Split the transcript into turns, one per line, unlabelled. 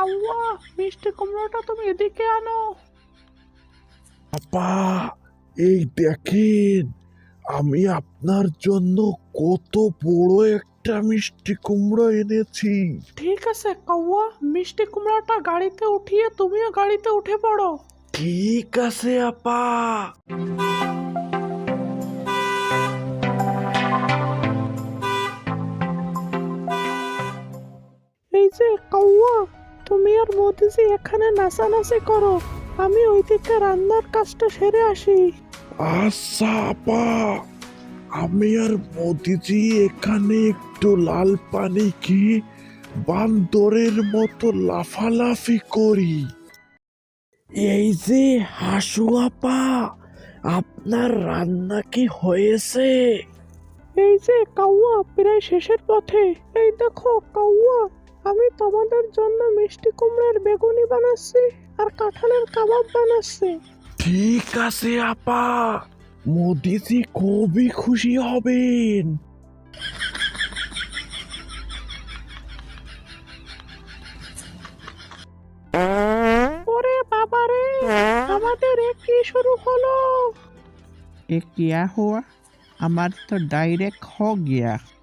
কাউয়া, মিষ্টি কুমড়োটা তুমি এদিকে আনো।
আপা, এই দেখেন, আমি আপনার জন্য কত বড় একটা মিষ্টি কুমড়ো এনেছি।
ঠিক আছে কাউয়া, মিষ্টি কুমড়োটা গাড়িতে উঠিয়ে তুমিও গাড়িতে উঠে পড়ো।
ঠিক আছে আপা।
এই যে কাউয়া, তুমি আর মোদিজি এখানে নাচানাচি করো, আমি ওইদিকে রান্নার কাজটা সেরে আসি।
আচ্ছা আপা, আমি আর মোদিজি এখানে একটু লাল পানি খেয়ে বান্দরের মতো লাফালাফি করি। এই যে হাসু আপা, আপনার রান্না কি হয়েছে?
এই যে কাউয়া, প্রায় শেষের পথে। এই দেখো কাউয়া, আমি তোমাদের জন্য মিষ্টি কুমড়ার বেগুনি বানাচ্ছি আর কাঁঠালের কাবাব বানাচ্ছি।
ঠিক আছে আপা, মোদিজি খুবই খুশি হবেন।
ওরে বাবারে, আমাদের এ কি শুরু হলো?
ये क्या हुआ? हमारा तो डायरेक्ट हो गया।